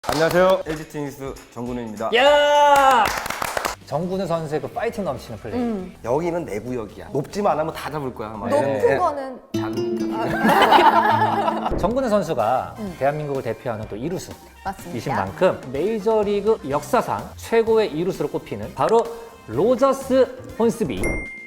안녕하세요. LG 트윈스 정근우입니다. 야! 정근우 선수의 그 파이팅 넘치는 플레이. 여기는 내 구역이야. 높지만 않으면 다 잡을 거야. 막 높은 이러는데 거는 작으니까. 정근우 선수가 대한민국을 대표하는 또 이루수 맞습니다. 이신 만큼 메이저리그 역사상 최고의 이루수로 꼽히는 바로 로저스 혼스비.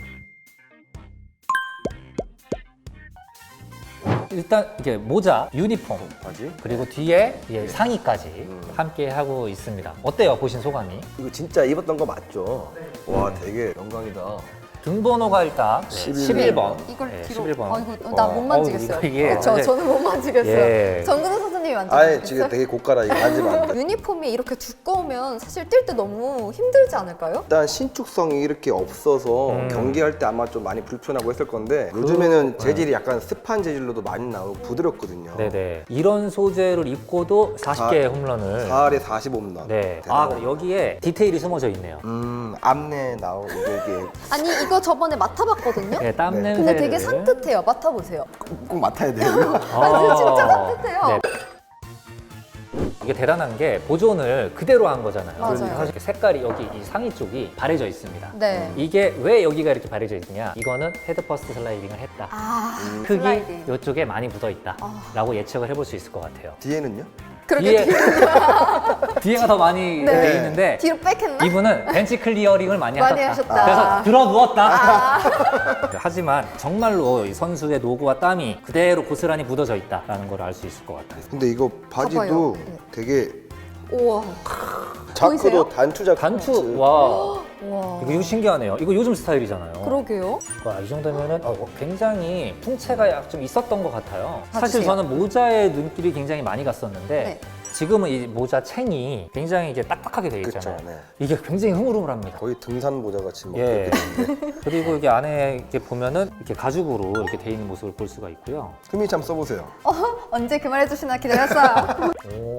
일단 이게 모자, 유니폼, 바지? 그리고 뒤에 이제 상의까지 함께 하고 있습니다. 어때요? 보신 소감이? 이거 진짜 입었던 거 맞죠? 와, 되게 영광이다. 등번호가 일단 11번. 이걸 네, 뒤로 11번. 아, 이거 나 못 만지겠어요. 이게 그쵸? 완전- 저는 못 만지겠어요. 예. 정근우 선수님이 아예 만지겠어요? 지금 되게 고가라. 이거 만지면 안 돼. 유니폼이 이렇게 두꺼우면 사실 뛸 때 너무 힘들지 않을까요? 일단 신축성이 이렇게 없어서 경기할 때 아마 좀 많이 불편하고 했을 건데 요즘에는 재질이 약간 습한 재질로도 많이 나오고 부드럽거든요. 네네. 이런 소재를 입고도 40개의 홈런을. 4할에 45홈런. 네. 아, 그리고 여기에 디테일이 숨어져 있네요. 앞내 나오고 이게 아니 이거 저번에 맡아봤거든요? 네, 땀 네. 냄새. 근데 되게 산뜻해요. 맡아보세요. 꼭 맡아야 돼요. 아, 진짜 산뜻해요. 네. 이게 대단한 게 보존을 그대로 한 거잖아요. 맞아요. 사실 색깔이 여기 이 상의 쪽이 바래져 있습니다. 네. 이게 왜 여기가 이렇게 바래져 있느냐? 이거는 헤드 퍼스트 슬라이딩을 했다. 아, 흙이 슬라이딩. 이쪽에 많이 묻어 있다라고 예측을 해볼 수 있을 것 같아요. 뒤에는요? 그렇게 뒤에가 더 많이 네. 돼 있는데 뒤로 빽했나? 이분은 벤치 클리어링을 많이 많이 하셨다. 하셨다. 그래서 들어 누웠다. 하지만 정말로 이 선수의 노고와 땀이 그대로 고스란히 묻어져 있다라는 걸 알 수 있을 것 같아요. 근데 이거 바지도 봐봐요. 네. 되게 우와. 자크도 보이세요? 단추 자크. 단추 와 와. 이거 신기하네요. 이거 요즘 스타일이잖아요. 그러게요. 와, 이 정도면은 굉장히 풍채가 약 좀 있었던 것 같아요. 사실 봐주세요. 저는 모자에 눈길이 굉장히 많이 갔었는데 네. 지금은 이 모자 챙이 굉장히 이제 딱딱하게 돼 그쵸, 있잖아요. 네. 이게 굉장히 흐물흐물합니다. 거의 등산 모자 같이 막 예. 그렇게 되는데 그리고 이게 안에 이렇게 보면은 이렇게 가죽으로 이렇게 돼 있는 모습을 볼 수가 있고요. 흠이 참 써보세요. 언제 그 말 해주시나 기다렸어요.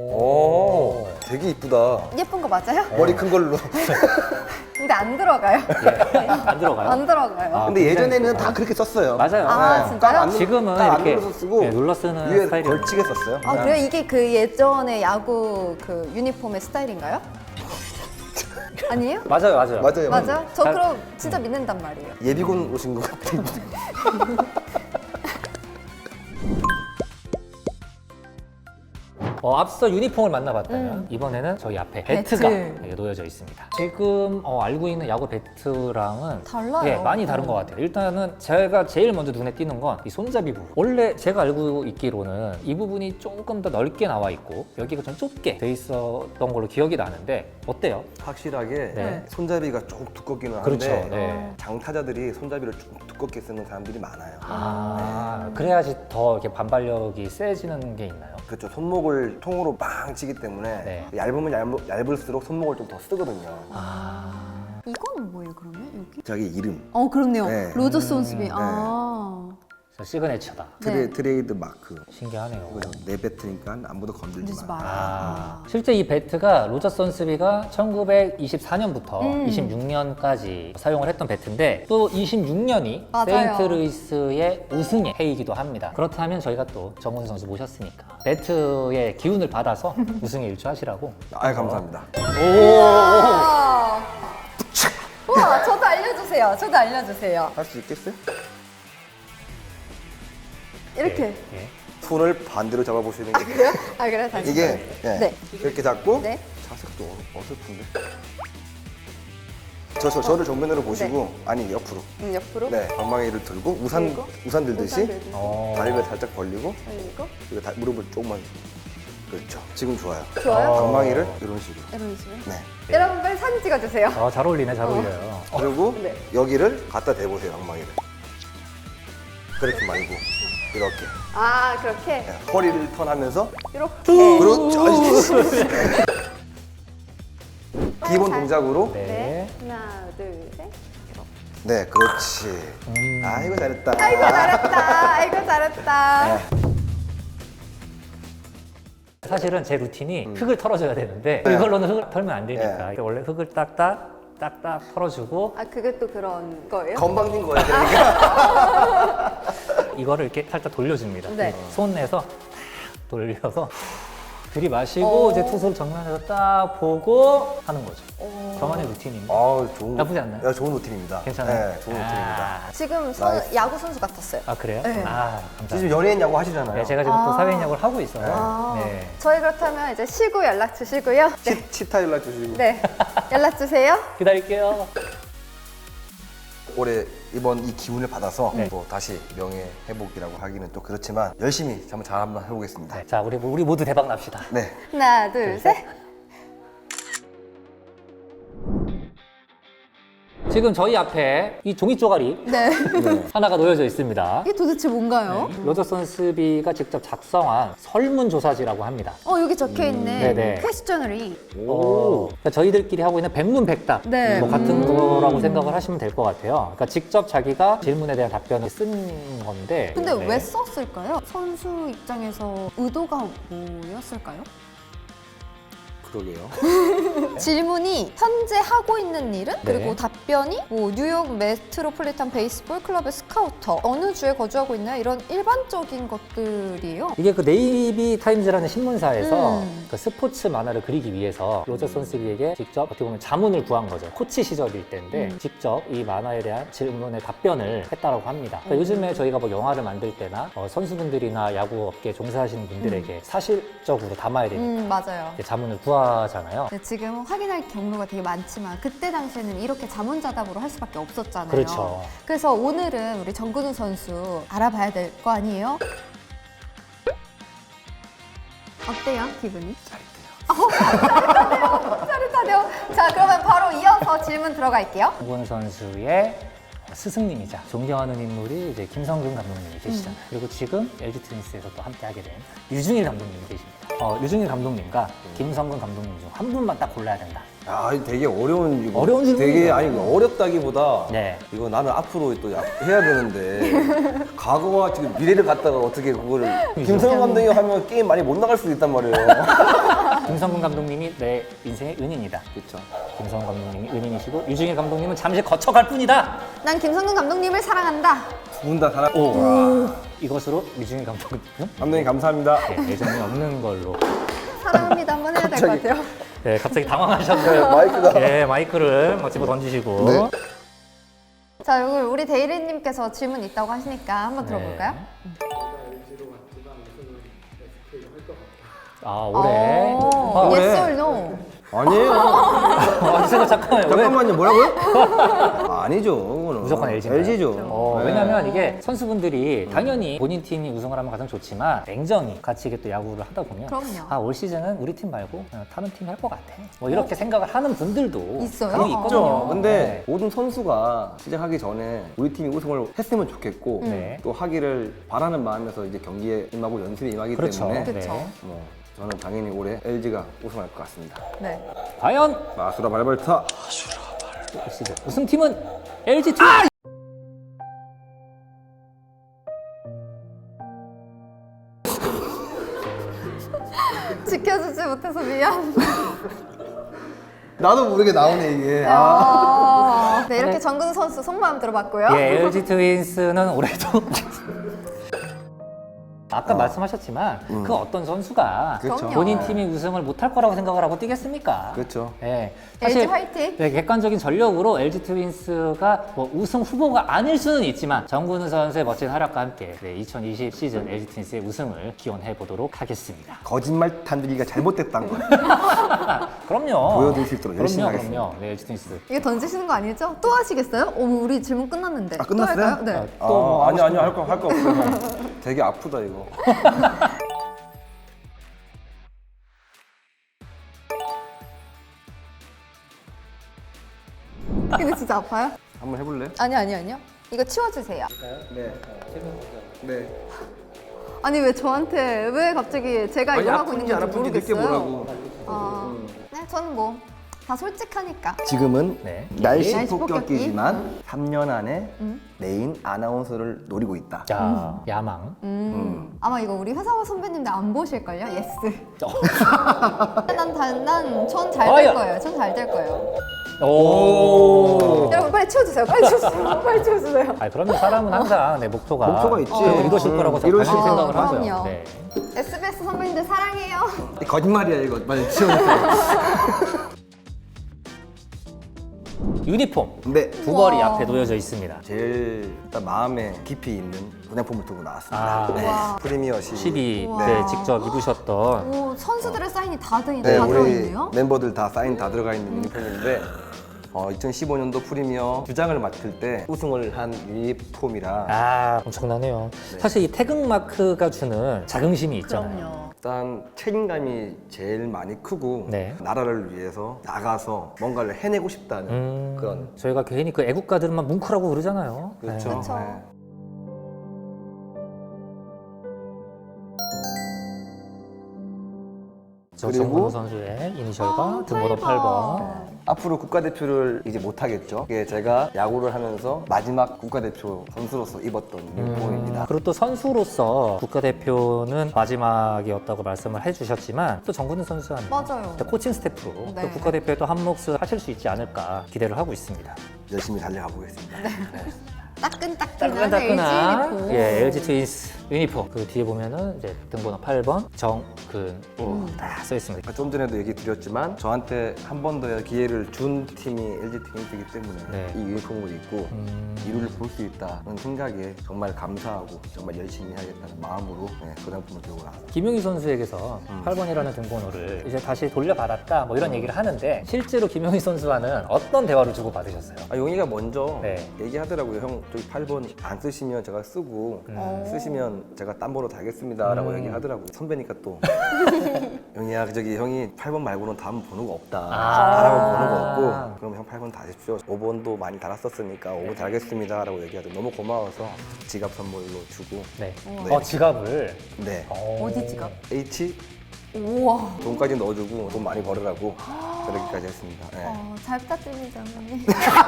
오, 되게 이쁘다. 예쁜 거 맞아요? 머리 큰 걸로. 근데 안 들어가요. 안 들어가요? 안 들어가요. 아, 근데 굉장히- 예전에는 다 그렇게 썼어요. 맞아요. 아, 네. 진짜요? 딱 안 눌러- 지금은 딱안 이렇게 눌러서 쓰고 네, 눌러 쓰는 위에 스타일이 걸치게 썼어요. 아 그래요? 이게 그 예전에 야구 그 유니폼의 스타일인가요? 아니에요? 맞아요, 맞아요. 맞아요. 맞아? 저 잘- 그럼 진짜 믿는단 말이에요. 예비군 오신 것 같은데. 앞서 유니폼을 만나봤다면 이번에는 저희 앞에 배트. 배트가 네, 놓여져 있습니다. 지금 알고 있는 야구 배트랑은 달라요. 예, 많이 다른 것 같아요. 일단은 제가 제일 먼저 눈에 띄는 건 이 손잡이 부분. 원래 제가 알고 있기로는 이 부분이 조금 더 넓게 나와 있고 여기가 좀 좁게 돼 있었던 걸로 기억이 나는데 어때요? 확실하게 네. 손잡이가 조금 두껍기는 한데 그렇죠. 네. 장타자들이 손잡이를 좀 두껍게 쓰는 사람들이 많아요. 그래야지 더 이렇게 반발력이 세지는 게 있나요? 그렇죠. 손목을 통으로 빵 치기 때문에 네. 얇으면 얇을수록 손목을 좀 더 쓰거든요. 이거는 뭐예요 그러면 여기? 자기 이름. 그렇네요. 네. 로저스 온스비. 아. 시그네처다. 네. 트레이드 마크. 신기하네요. 이거 내 배트니까 아무도 건들지 그러지 마. 마라. 실제 이 배트가 로저 선스비가 1924년부터 26년까지 사용을 했던 배트인데 또 26년이 맞아요. 세인트루이스의 우승의 해이기도 합니다. 그렇다면 저희가 또 정훈 선수 모셨으니까 배트의 기운을 받아서 우승에 일조하시라고. 아, 감사합니다. 와. 우와, 저도 알려주세요. 저도 알려주세요. 할 수 있겠어요? 이렇게. 예. 손을 반대로 잡아보시는 게 그래요? 아 그래 다시. 이게 예, 네. 이렇게 잡고 네. 자색도 어설픈데. 저를 정면으로 보시고 아니 옆으로. 옆으로. 네, 방망이를 들고 들고, 우산 들듯이 우산 다리를 살짝 벌리고 들고. 그리고 무릎을 조금만. 그렇죠. 지금 좋아요. 좋아요. 방망이를 이런 식으로. 이런 식으로. 네. 여러분 빨리 사진 찍어주세요. 잘 어울리네, 잘 어울려요. 그리고 네. 여기를 갖다 대보세요, 방망이를. 그렇게 말고 이렇게. 아 그렇게. 네, 허리를 턴하면서 이렇게. 그렇죠. 기본 동작으로. 네. 하나 둘 셋. 네, 그렇지. 아이고 잘했다. 아이고 잘했다. 아이고 잘했다. 사실은 제 루틴이 흙을 털어줘야 되는데 이걸로는 흙을 털면 안 되니까 원래 흙을 딱딱 털어주고 아 그게 또 그런 거예요? 건방진 거예요. 그러니까. 이거를 이렇게 살짝 돌려줍니다. 네. 손 내서 탁 돌려서 들이마시고 이제 투수를 정면에서 딱 보고 하는 거죠. 저만의 루틴입니다. 좋은 나쁘지 않나요? 야, 좋은 루틴입니다. 괜찮아요? 네, 좋은 루틴입니다. 지금 나이스. 야구 선수 같았어요. 아 그래요? 네. 아 감사합니다. 지금 연예인 야구 하시잖아요. 네, 제가 지금 또 사회인 야구를 하고 있어요. 아, 네. 저희 그렇다면 이제 쉬고 연락 주시고요. 네. 치타 연락 주시고. 네. 연락 주세요. 기다릴게요. 올해 이번 이 기운을 받아서 네. 또 다시 명예 회복이라고 하기는 또 그렇지만 열심히 한번 해보겠습니다. 네, 자, 우리 모두 대박 납시다. 네. 하나, 둘, 셋. 지금 저희 앞에 이 종이 쪼가리 네. 하나가 놓여져 있습니다. 이게 도대체 뭔가요? 로저 선스비가 직접 작성한 설문조사지라고 합니다. 여기 적혀 있네. 네네. 퀘스처너리. 그러니까 저희들끼리 하고 있는 백문백답 네. 뭐 같은 거라고 생각을 하시면 될 것 같아요. 그러니까 직접 자기가 질문에 대한 답변을 쓴 건데. 근데 네. 왜 썼을까요? 선수 입장에서 의도가 뭐였을까요? 그러게요. 질문이 현재 하고 있는 일은? 네. 그리고 답변이 뭐 뉴욕 메트로폴리탄 베이스볼 클럽의 스카우터 어느 주에 거주하고 있나요? 이런 일반적인 것들이에요. 이게 그 네이비 타임즈라는 신문사에서 음. 그 스포츠 만화를 그리기 위해서 로저 선스비에게 직접 어떻게 보면 자문을 구한 거죠. 코치 시절일 때인데 직접 이 만화에 대한 질문에 답변을 했다라고 합니다. 그러니까 요즘에 저희가 뭐 영화를 만들 때나 선수분들이나 야구 업계에 종사하시는 분들에게 사실적으로 담아야 되니까 맞아요. 이제 자문을 구하잖아요. 네, 지금 확인할 경로가 되게 많지만 그때 당시에는 이렇게 자문자답으로 할 수밖에 없었잖아요. 그렇죠. 그래서 오늘은 우리 정근우 선수 알아봐야 될 거 아니에요? 어때요, 기분이? 짜릿하네요. 자, 그러면 바로 이어서 질문 들어갈게요. 정근우 선수의 스승님이자 존경하는 인물이 이제 김성근 감독님이 계시잖아요. 그리고 지금 LG 트윈스에서 또 함께하게 된 유중일 감독님이 계십니다. 유중일 감독님과 김성근 감독님 중 한 분만 딱 골라야 된다. 야, 이거 되게 어려운 이거 어려운 되게 질문이에요. 아니 이거 어렵다기보다 네. 이거 나는 앞으로 또 해야 되는데 과거와 지금 미래를 갖다가 어떻게 그거를 김성현 감독이 하면 게임 많이 못 나갈 수도 있단 말이에요. 김성근 감독님이 내 인생의 은인이다. 그렇죠. 김성근 감독님이 은인이시고 유중일 감독님은 잠시 거쳐갈 뿐이다. 난 김성근 감독님을 사랑한다. 두 분 다 사랑. 이것으로 유중일 감독님 감독님 감사합니다. 네, 애정이 없는 걸로. 사랑합니다 한번 해야 될 것 같아요. 네, 갑자기 당황하셨어요. 마이크가. 네, 마이크를 집어 던지시고. 네. 자, 여기 우리 대리님께서 질문 있다고 하시니까 한번 들어볼까요? 아, 올해. Yes or no? 아니에요. 잠깐만요. 왜? 잠깐만요. 뭐라고요? 아니죠. 그거는. 무조건 LG인가요? LG죠. 네. 왜냐면 이게 선수분들이 당연히 본인 팀이 우승을 하면 가장 좋지만 냉정히 같이 이게 또 야구를 하다 보면 그럼요. 올 시즌은 우리 팀 말고 그냥 다른 팀이 할 것 같아. 뭐 이렇게 생각을 하는 분들도 있어요? 분명히 있거든요. 그렇죠. 근데 네. 모든 선수가 시작하기 전에 우리 팀이 우승을 했으면 좋겠고 네. 또 하기를 바라는 마음에서 이제 경기에 임하고 연습에 임하기 그렇죠. 때문에 그렇죠. 네. 뭐 저는 당연히 올해 LG가 우승할 것 같습니다. 네. 과연 마수라 발발타. 올 시즌 우승팀은 LG 트윈스. 지켜주지 못해서 미안. 나도 모르게 나오네 이게. 네, 이렇게 정근우 선수 속마음 들어봤고요. 예, LG 트윈스는 올해도 아까 말씀하셨지만 그 어떤 선수가 그렇죠. 본인 팀이 우승을 못할 거라고 생각을 하고 뛰겠습니까? 그렇죠. 예, LG 화이팅! 네, 객관적인 전력으로 LG 트윈스가 뭐 우승 후보가 아닐 수는 있지만 정근우 선수의 멋진 활약과 함께 2020 시즌 LG 트윈스의 우승을 기원해 보도록 하겠습니다. 거짓말 탄들기가 잘못됐다는 거 그럼요. 보여드릴 수 있도록 열심히 하겠습니다. 그럼요. 네, LG 트윈스. 이거 던지시는 거 아니죠? 또 하시겠어요? 어머, 우리 질문 끝났는데. 아, 끝났어요? 또 할까요? 네. 또 아니 할 거 없어요. 되게 아프다 이거. 근데 진짜 아파요? 한번 해볼래? 아니요. 이거 치워주세요. 네. 네. 아니, 왜 저한테, 왜 갑자기 제가 이걸 하고 있는 건지 모르겠어요. 느껴보라고. 네, 저는 뭐, 다 솔직하니까. 지금은 네. 날씨 날씨 폭격기지만 3년 안에 메인 아나운서를 노리고 있다. 자, 야망. 아마 이거 우리 회사 선배님들 안 보실걸요? 예스. 전 잘 될 아야. 거예요. 전 잘 될 거예요. 오. 여러분 빨리 치워주세요. 빨리 치워주세요. 빨리 치워주세요. 아, 그러면 사람은 항상 내 목표가 있지. 이루어질 거라고 이루어질 당연히 생각을 그럼요. 하죠. 네. SBS 선배님들 사랑해요. 거짓말이야 이거. 빨리 치워주세요. 유니폼 네. 두 벌이 우와. 앞에 놓여져 있습니다. 제일 일단 마음에 깊이 있는 분양품을 두고 나왔습니다. 아, 네. 우와. 프리미어 12. 12때 우와. 직접 입으셨던 오, 선수들의 사인이 다 네, 들어있네요. 우리 멤버들 다 사인 다 들어가 있는 유니폼인데 2015년도 프리미어 주장을 맡을 때 우승을 한 유니폼이라 아, 엄청나네요. 사실 이 태극 마크가 주는 자긍심이 있잖아요. 그럼요. 일단 책임감이 제일 많이 크고 네. 나라를 위해서 나가서 뭔가를 해내고 싶다는 그런 저희가 괜히 그 애국가들만 뭉크라고 그러잖아요. 그렇죠. 네. 그쵸. 네. 저 그리고 정근우 선수의 이니셜과 아, 등번호 8번. 앞으로 국가대표를 이제 못 하겠죠. 이게 제가 야구를 하면서 마지막 국가대표 선수로서 입었던 유니폼입니다. 그리고 또 선수로서 국가대표는 마지막이었다고 말씀을 해주셨지만 또 정근우 선수한 맞아요. 코칭 스태프로 네. 또 국가대표에도 한 몫을 하실 수 있지 않을까 기대를 하고 있습니다. 열심히 달려가 보겠습니다. 따끈따끈한 따끈따끈한 LG 유니폼. 예, LG 트윈스 유니폼. 그 뒤에 보면은 이제 등번호 8번 정근우 딱 써 있습니다. 좀 전에도 얘기 드렸지만 저한테 한 번 더 기회를 준 팀이 LG 트윈스이기 때문에 네. 이 유니폼을 입고 이루를 볼 수 있다는 생각에 정말 감사하고 정말 열심히 해야겠다는 마음으로 그냥품을 들고 나왔습니다. 김용희 선수에게서 8번이라는 등번호를 이제 다시 돌려받았다 뭐 이런 얘기를 하는데 실제로 김용희 선수와는 어떤 대화를 주고 받으셨어요? 용희가 먼저 네. 얘기하더라고요. 형 저기 8번 안 쓰시면 제가 쓰고 쓰시면 제가 딴 번호 달겠습니다 라고 얘기하더라고요. 선배니까 또 용희야 저기 형이 8번 말고는 다음 번호가 없다. 달아볼 번호가 없고 그럼 형 8번 다십시오. 5번도 많이 달았었으니까 5번 달겠습니다 라고 얘기하더니 너무 고마워서 지갑 선물로 주고 네. 네. 지갑을. 네. 어디 지갑? H 우와. 돈까지 넣어주고 돈 많이 벌으라고 그렇게까지 했습니다. 네. 잘 부탁드립니다, 어머니.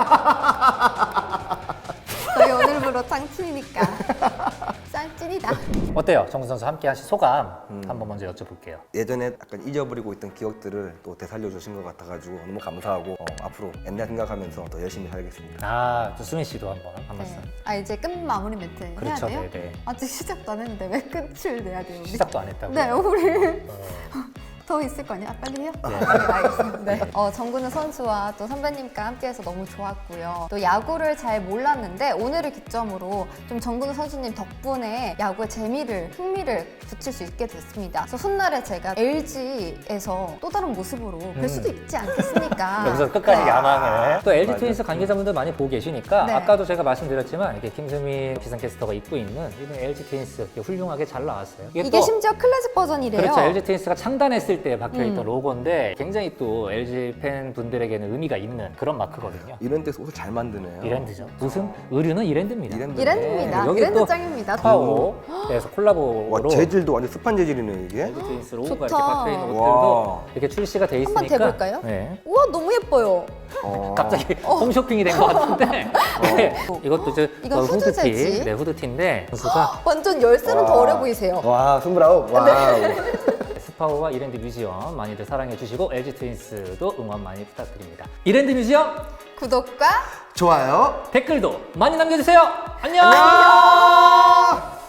저희 오늘부로 짱친이니까. 짱찐이다. 어때요? 정근 선수 함께 하신 소감 한번 먼저 여쭤볼게요. 예전에 약간 잊어버리고 있던 기억들을 또 되살려주신 것 같아가지고 너무 감사하고 앞으로 옛날 생각하면서 더 열심히 살겠습니다. 아, 또 수민 씨도 한번 말씀. 아, 이제 끝 마무리 멘트 그렇죠, 해야 돼요? 네네. 아직 시작도 안 했는데 왜 끝을 내야 돼요? 우리? 시작도 안 했다고요? 네, 우리 더 있을 거 아니야? 빨리 해요? 네, 알겠습니다. 네. 정근우 선수와 또 선배님과 함께해서 너무 좋았고요. 또 야구를 잘 몰랐는데 오늘을 기점으로 좀 정근우 선수님 덕분에 야구의 재미를, 흥미를 붙일 수 있게 됐습니다. 그래서 훗날에 제가 LG에서 또 다른 모습으로 뵐 수도 있지 않겠습니까? 여기서 끝까지 네. 야망을. 또 LG 맞아요. 트윈스 관계자분들 많이 보고 계시니까 네. 아까도 제가 말씀드렸지만 이게 김수민 기상캐스터가 입고 있는 이번 LG 트윈스 훌륭하게 잘 나왔어요. 이게 또 심지어 클래식 버전이래요. 그렇죠. LG 트윈스가 창단했을 때 박혀있던 로고인데 굉장히 또 LG 팬분들에게는 의미가 있는 그런 마크거든요. 이런 데서 옷을 잘 만드네요. 이랜드죠. 무슨 의류는 이랜드입니다. 이랜드입니다. 네, 여기 이랜드 또 짱입니다. 파오에서 와 콜라보로 재질도 완전 습한 재질이네 이게. LG 트윈스 로고가 좋다. 이렇게 박혀있는 옷들도 와. 이렇게 출시가 돼 한번 있으니까 대볼까요? 네. 우와, 너무 예뻐요. 갑자기 홈쇼핑이 된 것 같은데 네. 이것도 이제 이건 후드 후드티, 재질. 네, 후드티인데 선수가 완전 열쇠는 더 와. 어려 보이세요. 와 29. 와우. 스파오와 이랜드 뮤지엄 많이들 사랑해 주시고 LG 트윈스도 응원 많이 부탁드립니다. 이랜드 뮤지엄 구독과 좋아요. 댓글도 많이 남겨주세요. 안녕. 안녕.